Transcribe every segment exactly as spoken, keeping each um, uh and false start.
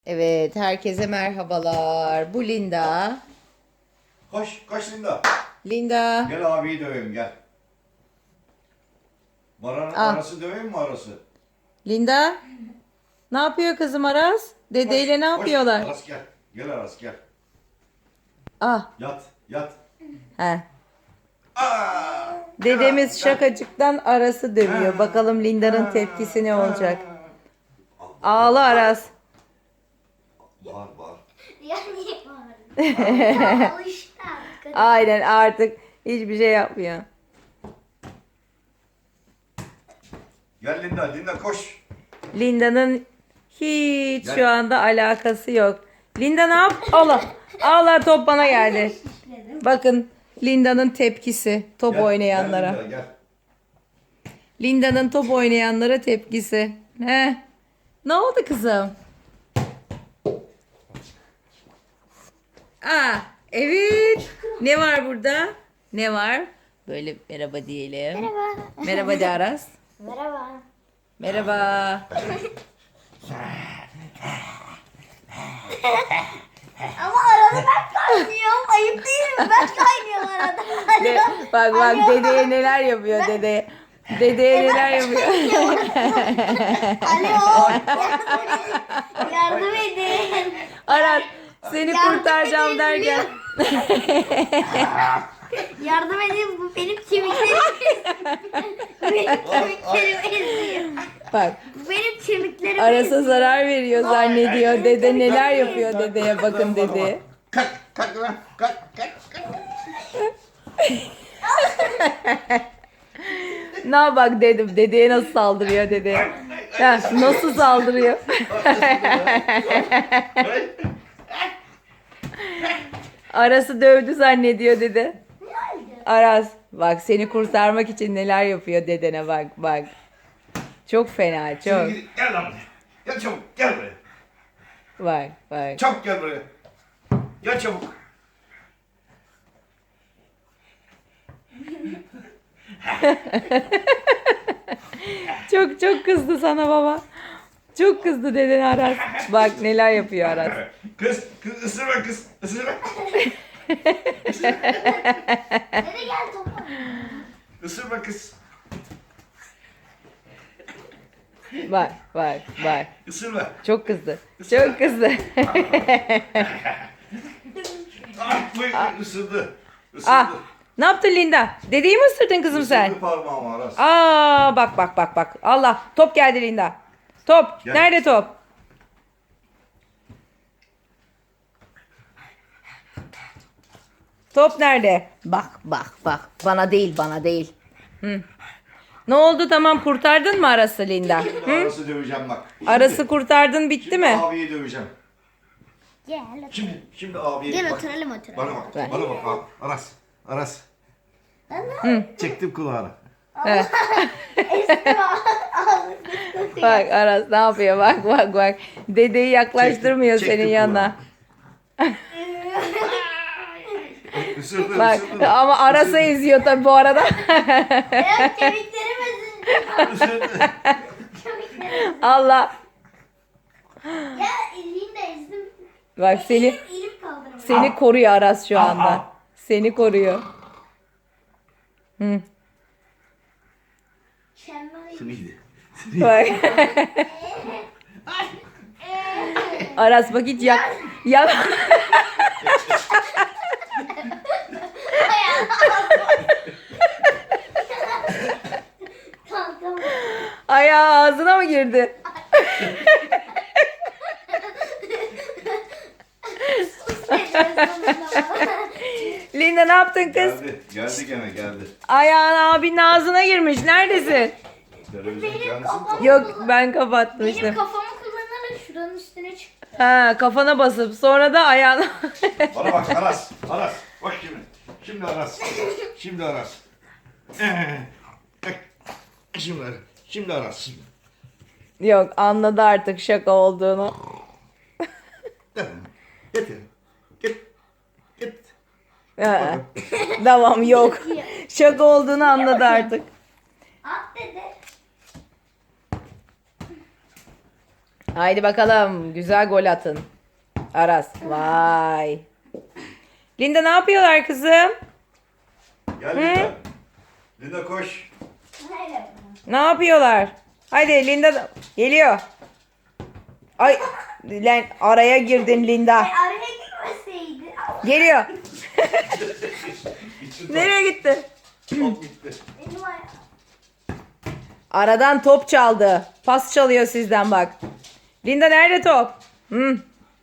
Evet, herkese merhabalar. Bu Linda. Koş, koş Linda. Linda. Gel abiyi döveyim gel. Maranın Ah. arası döveyim mi arası? Linda. Ne yapıyor kızım Aras? Dedeyle ne Koş, yapıyorlar? Koş. Aras gel. Gel Aras gel. Ah, Yat, yat. he. Aa! Dedemiz Gel. şakacıktan Aras'ı dövüyor. Bakalım Linda'nın tepkisi ne olacak? Ağla Aras. Bağır bağır. Ya niye bağırdın? Alıştı artık. Aynen artık hiçbir şey yapmıyor. Gel Linda, Linda koş. Linda'nın hiç Gel. şu anda alakası yok. Linda ne yap? Allah. Allah top bana geldi. Bakın Linda'nın tepkisi top Gel, oynayanlara. Gel Linda gel. Linda'nın top oynayanlara tepkisi. He. Ne oldu kızım? Aa, evet. Ne var burada? Ne var? Böyle merhaba diyelim. Merhaba. Merhaba de Aras. Merhaba. Merhaba. Ama arada ben kaynıyorum. Ayıp değil mi? Ben kaynıyorum arada. De, bak bak Alo. dedeye neler yapıyor dedeye. Dedeye neler yapıyor. Alo. Yardım edin. Aras seni Yardım kurtaracağım edin. derken. Yardım edin. Bu benim kemiklerim. benim kemiklerim eziyor. Bak Bu benim kemiklerim Aras'a eziyor. zarar veriyor zannediyor. Dede neler yapıyor dedeye bakın dedi. Kalk, kalk lan. Kalk, kalk, kalk. Ne bak dedim dedeye nasıl saldırıyor dedeye. Ha, nasıl saldırıyor? Aras'ı dövdü zannediyor dede. Aras bak seni kurtarmak için neler yapıyor dedene bak bak. Çok fena çok. Şimdi gidin, gel lan buraya. Gel çabuk, gel buraya. Bak bak. Çabuk gel buraya. Gel çabuk. Çok çok kızdı sana baba. Çok kızdı deden Aras. Bak neler yapıyor Aras. Kız, kız ısırma kız, ısırma. Dede gel topa. Isırma kız. Bak bak bak. Isırma. Çok kızdı. Çok kızdı. Ah, bu ısırdı. Isırdı. Ah, ne yaptın Linda? Dedeyi mi ısırdın kızım sen? Isırdı parmağımı Aras. Aa bak bak bak bak. Allah top geldi Linda. Top. Gel. Nerede top? Top nerede? Bak bak bak. Bana değil bana değil. Hı. Ne oldu tamam kurtardın mı Aras'ı Linda? Şimdi Aras'ı döveceğim bak. Şimdi, Aras'ı kurtardın bitti şimdi mi? abiyi döveceğim. Gel otur. Şimdi, şimdi abiye Gel bak. oturalım oturalım. Bana bak, Ver. bana bak. Al, Aras, Aras. Çektim kulağını. He. Bak Aras ne yapıyor bak bak bak. Dedeyi yaklaştırmıyor Çektim, senin çektim yanına. Isırdı, Bak ısırdı. ama Aras'ı eziyor tabii bu arada. Benim kemiklerim eziyor. Isırdı. Kemiklerim. Allah. Ya elini de ezdim. Bak seni Elim, elim kaldıramadım. seni koruyor Aras şu Ah, anda. ah. Seni koruyor. Hı. Şenay. Sınıydı. Bak. Aras bak hiç yak yak Kalkamam. ayağı ağzına mı girdi? Linda ne yaptın kız? Geldi, geldi gene geldi. Ayağın abinin ağzına girmiş. Neredesin? Televizyon kendisi kafam- Yok ben Benim kapatmıştım. kafamı kullanarak şuranın üstüne çıktı. Ha kafana basıp sonra da ayağına. Bana bak Aras, Aras. Bak şimdi. Şimdi Aras. Şimdi Aras. Ee, bak. Şimdi Aras. Şimdi Aras. Yok anladı artık şaka olduğunu. Tamam. Getir. Git. Git. Ha. Tamam yok. Şaka olduğunu anladı artık. At dede. Haydi bakalım. Güzel gol atın. Aras. Vay. Linda ne yapıyorlar kızım? Gel Linda. Linda koş. Hayır. Ne yapıyorlar? Haydi Linda da- geliyor. Ay lan araya girdin Linda. Ay, araya girmeseydi. Geliyor. İçin top. Nereye gitti? Top gitti. Benim ayağım. Aradan top çaldı. Pas çalıyor sizden bak. Linda nerede top? Hı.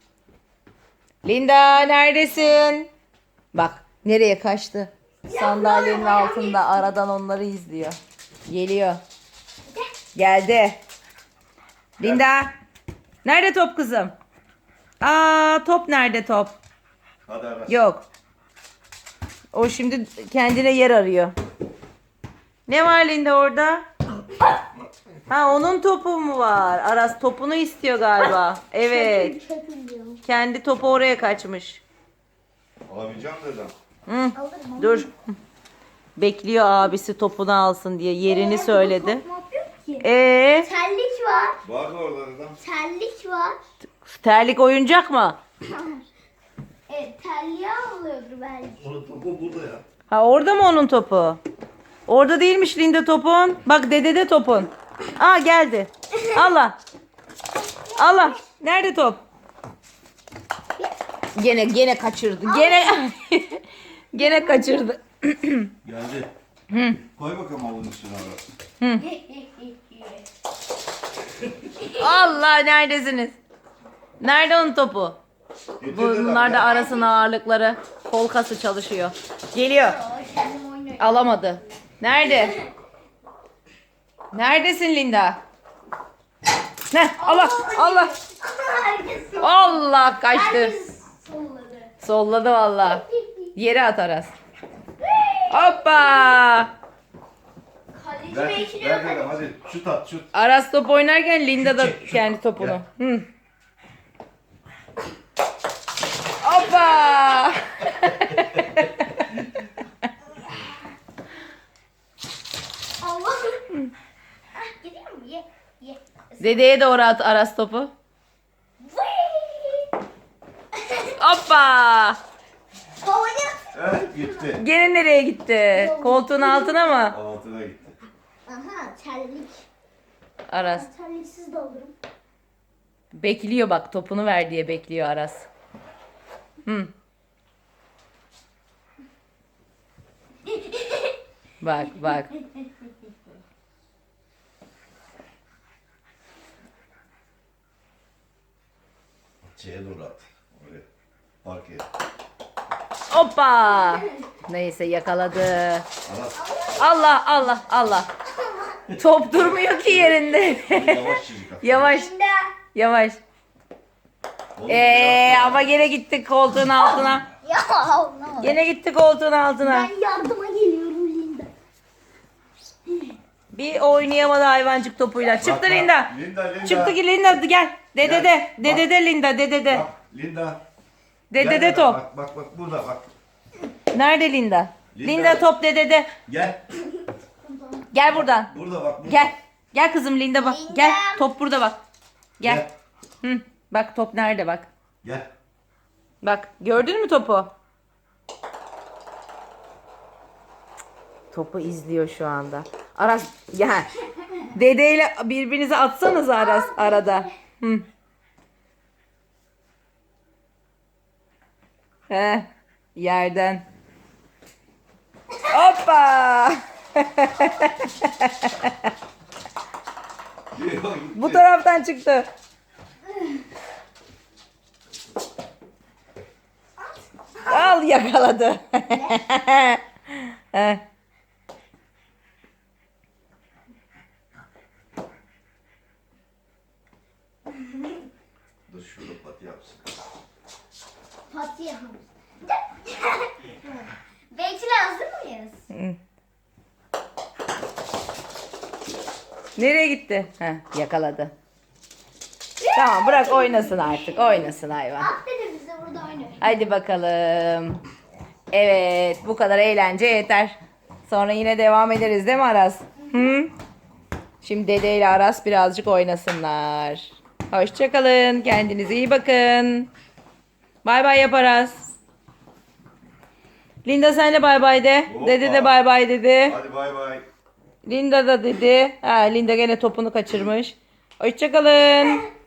Linda neredesin? Bak nereye kaçtı? Sandalyenin altında aradan onları izliyor. Geliyor. Geldi. Linda. Nerede top kızım? Aa top nerede top? Hadi Aras. Yok. O şimdi kendine yer arıyor. Ne var Linda orada? Ha onun topu mu var? Aras topunu istiyor galiba. Evet. Çöpülüyorum. Kendi topu oraya kaçmış. Alamayacağım dedim. Hı, Alırım. dur. Bekliyor abisi topunu alsın diye yerini söyledi. Top yok ki. Ee, Terlik var. Vardı orada adam. Terlik var. terlik oyuncak mı? Evet, terliği alıyordur belki. Onun topu burada ya. Ha orada mı onun topu? Orada değilmiş Linda topun. Bak dedede topun. Aa geldi. Allah. Allah. Nerede top? Gene gene kaçırdı. Gene gene kaçırdı. Geldi. Koy bakalım avlunun üstüne Aras. Allah neredesiniz? Nerede onun topu? Getir dedim, Bunlar da gel. arasın ağırlıkları. Kol kası çalışıyor. Geliyor. Kendim oynuyorum. Alamadı. Nerede? Neredesin Linda? Ne? Allah Allah. Herkes Allah kaçtı. Herkes solladı. Solladı valla. Yere at Aras. Hoppa. Kaleci Ver, bekliyor. ver dedim hadi. Şut at şut. Aras top oynarken Linda da Çek, çek. kendi topunu. Gel. Hı. Hoppa. Allah. Ah, gidiyor mu? Ye. Ye. Dedeye doğru at Aras topu. Vıy! Hoppa. Havaya. Evet gitti. Gene nereye gitti? Koltuğun altına mı? Altına gitti. Aha, terlik. Aras. Terliksiz de alırım. Bekliyor bak topunu ver diye bekliyor Aras. Hı. Bak bak. Şeye doğru at. Oraya. Park et. Hoppa. Neyse yakaladı. Aras. Allah Allah Allah. Top durmuyor ki yerinde. Yavaş çizik at. Yavaş Şimdi yavaş. Oğlum, Ee yapma. ama gene gitti koltuğun altına. ya Allah. Gene gitti koltuğun altına. Ben yardıma geliyorum Linda. Bir oynayamadı hayvancık topuyla. Çıktı Bak, bak. Linda. Linda, Linda. Çıktı ki Linda gel. Dede de. Gel. Dede de Linda. Dede de. Bak Linda. Dede Gel de Linda, top. Bak bak bak burada bak. Nerede Linda? Linda. Linda top dedede. Gel. Gel buradan. Burada bak. Burada. Gel. Gel kızım Linda bak. Linda. Gel. Top burada bak. Gel. Gel. Hı. Bak top nerede bak. Gel. Bak gördün mü topu? Topu izliyor şu anda. Aras gel. Dedeyle birbirinize atsanız Aras arada. Hı. He, yerden. Hoppa! Bu taraftan çıktı. Al yakaladı. Heh. Dur şurada pati yapsın. Pati yapalım. Bekle, hazır mıyız? Nereye gitti? Heh, yakaladı. Tamam bırak oynasın artık. Oynasın hayvan. At dedi bize, burada oynuyor. Hadi bakalım. Evet bu kadar eğlence yeter. Sonra yine devam ederiz değil mi Aras? Hı? Şimdi Dede ile Aras birazcık oynasınlar. Hoşçakalın. Kendinize iyi bakın. Bay bay yap Aras. Linda sen de bay bay de. Hoppa. Dede de bay bay dedi. Hadi bay bay. Linda da dedi. Ha, Linda gene topunu kaçırmış. Hoşçakalın.